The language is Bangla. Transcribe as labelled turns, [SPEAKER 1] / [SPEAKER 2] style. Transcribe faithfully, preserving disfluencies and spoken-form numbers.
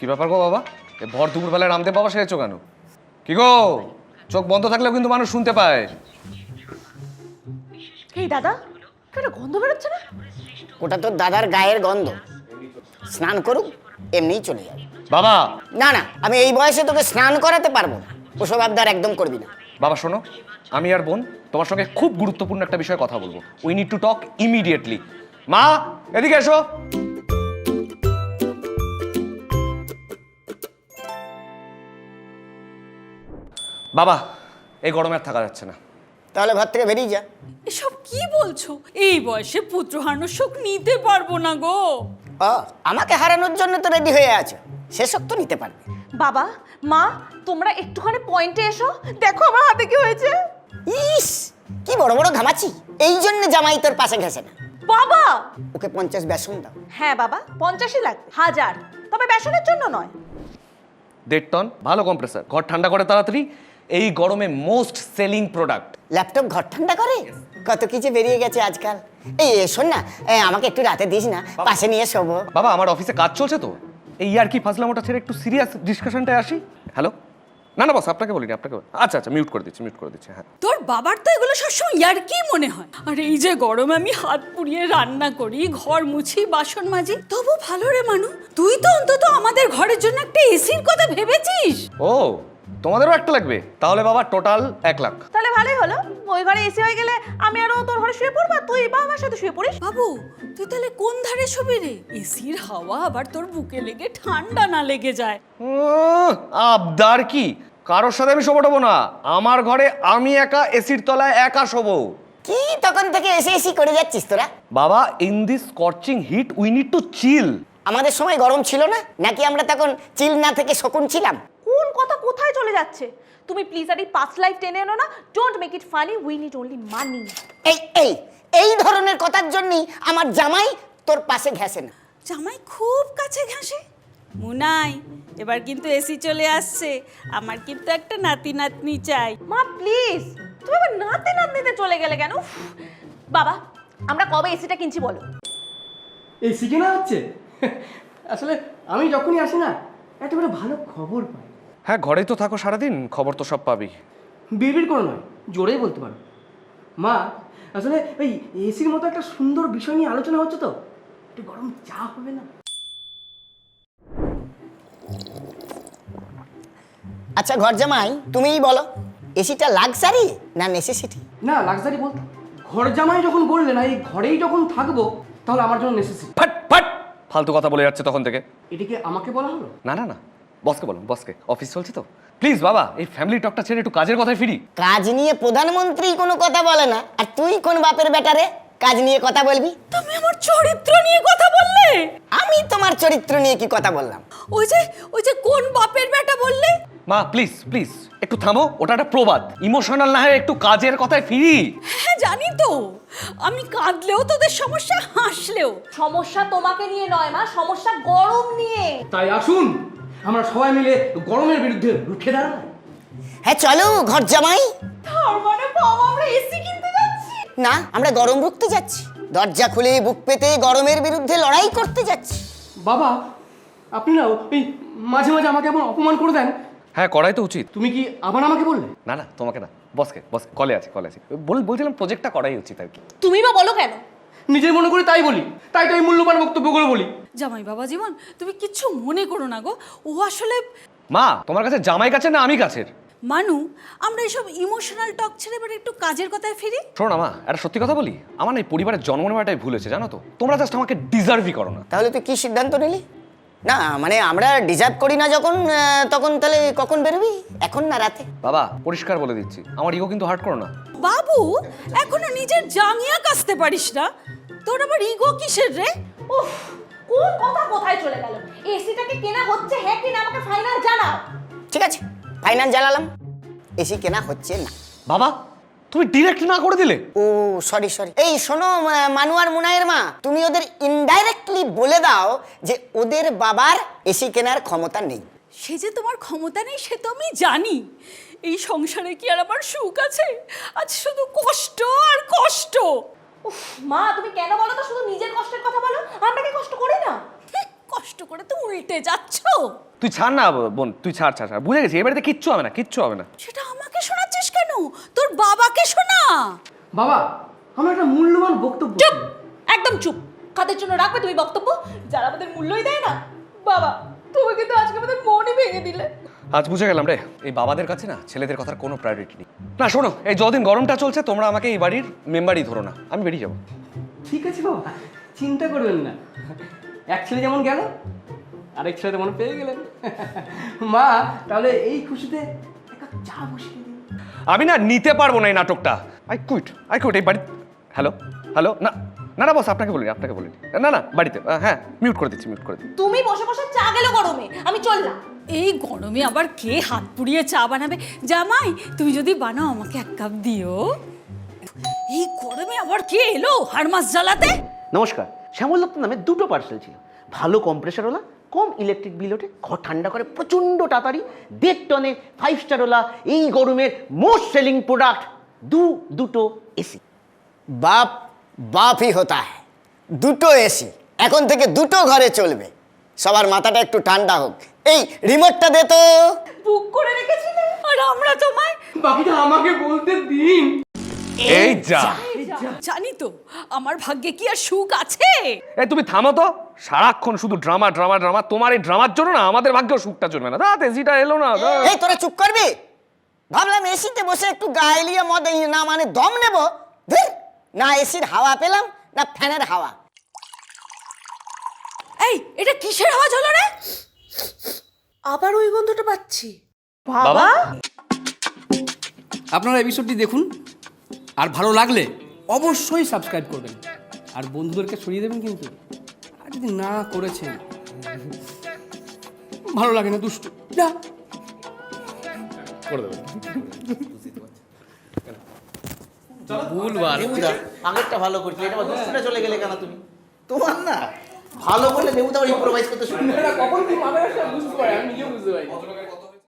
[SPEAKER 1] ব্যাপার গো বাবা, এ ভর দুপুর বেলায় রামদেব বাবা সেরেছো কেন? কি গো, চোখ বন্ধ থাকলেও কিন্তু মানুষ শুনতে পায়।
[SPEAKER 2] এই দাদা, কেন গন্ধ বেরোচ্ছে না?
[SPEAKER 3] ওটা তোর দাদার গায়ের গন্ধ। স্নান করুক, এমনিই চলে যাবে।
[SPEAKER 1] বাবা
[SPEAKER 3] না না, আমি এই বয়সে তোকে স্নান করাতে পারবো না। ওসব আবদার একদম করবি না।
[SPEAKER 1] বাবা শোনো, আমি আর বোন তোমার সঙ্গে খুব গুরুত্বপূর্ণ একটা বিষয়ে কথা বলবো। We need to talk immediately. মা এদিকে এসো। বাবা এই গরমে আর থাকা যাচ্ছে না।
[SPEAKER 3] তাহলে ঘর থেকে বেরিয়ে যা।
[SPEAKER 4] এসব কি বলছো? এই বয়সে পুত্র হারানোর শোক নিতে পারবো না গো।
[SPEAKER 3] ও, আমাকে হারানোর জন্য তো রেডি হয়ে আছো, সেসব তো নিতে পারবে।
[SPEAKER 2] বাবা, মা, তোমরা একটুখানি পয়েন্টে এসো। দেখো আমার হাতে কি হয়েছে।
[SPEAKER 3] ইস, কি বড় বড় ঘামাচি। এই জন্য জামাই তোর পাশে ঘেসে না।
[SPEAKER 2] বাবা!
[SPEAKER 3] ওকে পঞ্চাশ বেসন দাও।
[SPEAKER 2] হ্যাঁ বাবা, পঞ্চাশই লাগবে, হাজার। তবে বেসনের জন্য নয়।
[SPEAKER 1] দেড় টন ভালো কম্প্রেসার, ঘর ঠান্ডা করে তাড়াতাড়ি। এই গরমে মোস্ট সেলিং প্রোডাক্ট।
[SPEAKER 3] ল্যাপটপ ঘর ঠান্ডা করে? কত কিছু বেরিয়ে গেছে আজকাল। এই শোন না, এই আমাকে একটু রাতে দিস না, পাশে নিয়ে শোবো।
[SPEAKER 1] বাবা আমার অফিসে কাজ চলছে তো, এই আর কি ফাজলামোটা ছেড়ে একটু সিরিয়াস ডিসকাশনটায় আসি। হ্যালো, না না বস, আপনাকে বলিনি, আপনাকে বলি- আচ্ছা আচ্ছা মিউট করে দিচ্ছি, মিউট করে দিচ্ছি। হ্যাঁ
[SPEAKER 4] তোর বাবার তো এগুলো সবসময় ইয়ার কি মনে হয়। আর এই যে গরমে আমি হাত পুড়িয়ে রান্না করি, ঘর মুছি, বাসন মাজি, তবু ভালো রে মানু, তুই তো অন্তত আমাদের ঘরের জন্য একটা এসির কথা ভেবেছিস।
[SPEAKER 1] ও, তোমাদেরও একটা লাগবে? তাহলে বাবা টোটাল এক লাখ।
[SPEAKER 2] তাহলে ভালোই হলো, ওই ঘরে এসি হয়ে গেলে আমি আরো তোর ঘরে শুয়ে পড়বো, আর তুই বা আমার সাথে শুয়ে পড়িস।
[SPEAKER 4] বাবু তুই তাহলে কোন ধারে শুবি রে? এসির হাওয়া আবার তোর বুকে লেগে ঠান্ডা না লেগে যায়।
[SPEAKER 1] উম, আবদার কি, কারোর সাথে আমি শোবো না। আমার ঘরে আমি একা এসির তলায় একা শোবো।
[SPEAKER 3] কি তখন থেকে এসে এসি করে যাচ্ছিস তোরা?
[SPEAKER 1] বাবা in this scorching heat we need to chill.
[SPEAKER 3] আমাদের সময় গরম ছিল না নাকি? আমরা তখন চিল না থেকে শকুন ছিলাম?
[SPEAKER 2] কোন কথা কোথায় চলে যাচ্ছে? তুমি প্লিজ আর এই পাস্ট লাইফ টেনে এনো না। Don't make it funny, we need only money.
[SPEAKER 3] এই এই এই ধরনের কথার জন্যই আমার জামাই তোর পাশে ঘেসে না।
[SPEAKER 4] জামাই খুব কাছে ঘাসে। মুনাই, এবার কিন্তু এসি চলে আসছে, আমার কিন্তু একটা নাতি নাতনি চাই।
[SPEAKER 2] মা প্লিজ, তুমি আবার নাতে নাতনিতে চলে গেলে কেন? উফ, বাবা আমরা কবে এসিটা কিনছি বলো?
[SPEAKER 5] এসি কেনা হচ্ছে? আসলে আমি যখনই আসি না, একটা করে ভালো খবর পাই।
[SPEAKER 1] হ্যাঁ ঘরেই তো থাকো সারাদিন, খবর তো সব পাবি।
[SPEAKER 5] বিড়বিড় করে নয়, জোরেই বলতে পারো। মা, আসলে ওই এসির মতো একটা সুন্দর বিষয় নিয়ে আলোচনা হচ্ছে তো, একটু গরম চা হবে না?
[SPEAKER 3] আচ্ছা ঘর জামাই, তুমিই বলো, এসিটা লাক্সারি না নেসেসিটি?
[SPEAKER 5] না, লাক্সারি বলতে ঘর জামাই যখন বললে না, এই ঘরেই যখন থাকবো, তাহলে আমার জন্য নেসেসিটি।
[SPEAKER 1] ফাট ফাট ফালতু কথা বলে যাচ্ছে তখন থেকে।
[SPEAKER 5] এটাকে আমাকে বলা হলো?
[SPEAKER 1] না না না, বসকে বলুন, বসকে, অফিস চলছে তো। প্লিজ বাবা এই ফ্যামিলি টকটা ছেড়ে একটু কাজের কথায় ফিরি।
[SPEAKER 3] কাজ নিয়ে প্রধানমন্ত্রী কোনো কথা বলে না, আর তুই কোন বাপের বেটারে কাজ নিয়ে কথা বলবি?
[SPEAKER 4] তুমি আমার চরিত্র নিয়ে কথা বললে।
[SPEAKER 3] আমি তোমার চরিত্র নিয়ে কি কথা বললাম?
[SPEAKER 4] ওই যে ওই যে কোন বাপের বেটা বললে।
[SPEAKER 1] মা প্লিজ প্লিজ একটু থামো, ওটা একটা প্রবাদ। ইমোশনাল না হয়ে একটু কাজের কথায় ফিরি।
[SPEAKER 4] হ্যাঁ জানি তো, আমি কাঁদলেও তোদের সমস্যা, হাসলেও
[SPEAKER 2] সমস্যা তোমাকে নিয়ে নয় মা, সমস্যা গরম নিয়ে।
[SPEAKER 5] তাই আসুন আমরা সবাই মিলে গরমের বিরুদ্ধে রুখে দাঁড়াই।
[SPEAKER 3] হ্যাঁ চলো ঘর জামাই।
[SPEAKER 2] তার মানে বাবা আমরা এসি কিনতে যাচ্ছি?
[SPEAKER 3] না, আমরা গরম রুখতে যাচ্ছি। দরজা খুলে বুক পেতে গরমের বিরুদ্ধে লড়াই করতে যাচ্ছি।
[SPEAKER 5] বাবা, আপনি না ওই মাঝে মাঝে আমাকে এমন অপমান করে দেন।
[SPEAKER 1] হ্যাঁ করাই তো উচিত।
[SPEAKER 5] তুমি কি আবার আমাকে বললে?
[SPEAKER 1] না না তোমাকে না, বসকে, বসকে, কলে আছে কলে আছে বল, বলছিলাম প্রজেক্টটা করাই উচিত আর কি।
[SPEAKER 2] তুমি বা বলো কেন?
[SPEAKER 5] নিজের মনে করে তাই বলি, তাই তো এই মূল্যবান বক্তব্যগুলো বলি।
[SPEAKER 4] জামাই বাবা জীবন, তুমি কিচ্ছু মনে করো না গো, ও আসলে
[SPEAKER 1] মা তোমার কাছে জামাই কাছে না আমি কাছের?
[SPEAKER 4] মানু, আমরা এসব ইমোশনাল টক ছেড়ে এবার একটু কাজের কথায় ফিরি।
[SPEAKER 1] শোনো না মা, একটা সত্যি কথা বলি, আমার না এই পরিবারের জন্ম নেওয়াটাই ভুল হয়েছে জানো তো। তোমরা জাস্ট আমাকে ডিজার্ভই করো না।
[SPEAKER 3] তাহলে তুই কি সিদ্ধান্ত নিলি? না মানে আমরা ডিজার্ভ করি না যখন, আহ, তখন তাহলে কখন বেরোবি? এখন না রাতে?
[SPEAKER 1] বাবা পরিষ্কার বলে দিচ্ছি, আমার ইগো কিন্তু হার্ট করো না।
[SPEAKER 4] বাবু, এখনো নিজের জাঙ্গিয়া কাচতে পারিস না, তোর আবার ইগো কিসের রে?
[SPEAKER 2] উফ, কোন কথা কোথায় চলে গেল? এসিটাকে কেনা হচ্ছে হ্যাঁ কি না আমাকে ফাইনাল জানাও।
[SPEAKER 3] ঠিক আছে, ফাইনাল জ্বালালাম, এসি কেনা হচ্ছে না।
[SPEAKER 1] বাবা তুমি ডিরেক্ট না করে দিলে।
[SPEAKER 3] Oh sorry sorry. এই শোনো আহ, মানু আর মুনায়ের মা, তুমি ওদের ইনডাইরেক্টলি বলে দাও যে ওদের বাবার এসি কেনার ক্ষমতা নেই।
[SPEAKER 4] সে যে তোমার ক্ষমতা নেই সে তো আমি জানি। এই সংসারে কি আর আমার সুখ আছে? আজ শুধু কষ্ট আর কষ্ট।
[SPEAKER 2] উফ মা, তুমি কেন বলো তো শুধু নিজের কষ্টের কথা বলো? আমরা কি কষ্ট করি না?
[SPEAKER 4] কষ্ট করে তো উল্টে যাচ্ছ।
[SPEAKER 1] তুই ছাড় না বোন, তুই ছাড় ছাড় ছাড় বুঝে গেছি, এবারে কিচ্ছু হবে না, কিচ্ছু হবে না।
[SPEAKER 4] সেটা আমাকে শোনাচ্ছিস কেন? তোর বাবাকে শোনা।
[SPEAKER 5] বাবা, আমার একটা মূল্যবান বক্তব্য
[SPEAKER 2] চুপ,
[SPEAKER 5] ছিল।
[SPEAKER 2] একদম চুপ। কাদের জন্য রাখবে তুমি বক্তব্য, যারা আমাদের মূল্যই দেয় না? বাবা, তুমি কিন্তু আজকে আমাদের মনই ভেঙে দিলে।
[SPEAKER 1] আজ বুঝে গেলাম রে, এই বাবাদের কাছে না ছেলেদের কথার কোনো প্রায়োরিটি নেই। না শোনো, এই যতদিন গরমটা চলছে তোমরা আমাকে এই বাড়ির মেম্বারই ধরো না, আমি বেরিয়ে যাবো।
[SPEAKER 5] ঠিক আছে বাবা, চিন্তা করবেন না। এক ছেলে যেমন গেল, আরেক ছেলে তেমন পেয়ে গেলেন। মা, তাহলে এই খুশিতে এক কাপ চা বসিয়ে দিন।
[SPEAKER 1] আমি না নিতে পারবো না এই নাটকটা। আই কুইট, আই কুইট এই বাড়ি। হ্যালো হ্যালো, না না না বস, আপনাকে বলিনি, আপনাকে বলিনি। না না বাড়িতে, হ্যাঁ মিউট করে দিচ্ছি, মিউট করে দিচ্ছি।
[SPEAKER 2] তুমি বসে বসে চা গেলো গরমে, আমি চললাম।
[SPEAKER 4] এই গরমে আবার কে হাত পুড়িয়ে চা বানাবে? জামাই, তুমি যদি বানাও আমাকে এক কাপ দিও। এই গরমে আবার কে এলো হাড় মাস জ্বালাতে?
[SPEAKER 6] নমস্কার, শ্যামল দত্ত নামে দুটো পার্সেল ছিল। ভালো কম্প্রেসারওয়ালা, কম ইলেকট্রিক বিল ওঠে, ঘর ঠান্ডা করে প্রচণ্ড তাড়াতাড়ি, দেড় টনে ফাইভ স্টারওয়ালা, এই গরমের মোস্ট সেলিং প্রোডাক্ট দু দুটো এসি।
[SPEAKER 3] বাপ বাপই হতা হ্যায়। দুটো এসি এখন থেকে দুটো ঘরে চলবে। সবার মাথাটা একটু ঠান্ডা হোক। এই রিমোটটা দে তো।
[SPEAKER 2] বুক করে রেখেছিলে।
[SPEAKER 4] আর আমরা তোমায়
[SPEAKER 5] বাকিটা আমাকে বলতে দিন।
[SPEAKER 1] এই যা,
[SPEAKER 4] জানি তো আমার ভাগ্যে কি আর সুখ আছে?
[SPEAKER 1] এই তুমি থামো তো, সারাক্ষণ শুধু ড্রামা ড্রামা ড্রামা। তোমার এই ড্রামার জন্য না আমাদের ভাগ্যেও সুখটা চলবে না। রাত এসিটা এলো না।
[SPEAKER 3] এই তোরা চুপ করবি? ভাবলাম এসিতে বসে একটু গায়েলিয়া মদ এই না মানে দম নেব। ধুর, না এসির হাওয়া পেলাম না ফ্যানের হাওয়া।
[SPEAKER 4] এই এটা কিসের আওয়াজ হলো রে?
[SPEAKER 2] আবার ওই গন্ধটা পাচ্ছি।
[SPEAKER 1] বাবা,
[SPEAKER 5] আপনারা এপিসোডটি দেখুন, আর ভালো লাগলে অবশ্যই সাবস্ক্রাইব করবেন, আর বন্ধুদেরকে ছড়িয়ে দেবেন কিন্তু। আর যদি না করেছেন, ভালো লাগে না, দুষ্টু যা
[SPEAKER 1] করে দেবেন।
[SPEAKER 5] ভুলবার
[SPEAKER 6] নেবুদা আগেরটা ভালো করছি, এটা আবার দুষ্টুটা চলে গেলে কেন তুমি? তোমার না ভালো করলে নেবুদা আবার ইম্প্রোভাইজ করতে শুরু করে।
[SPEAKER 5] কখন কি মাথায় আসে বুঝতে পারি, আমি নিজেও বুঝতে পারি।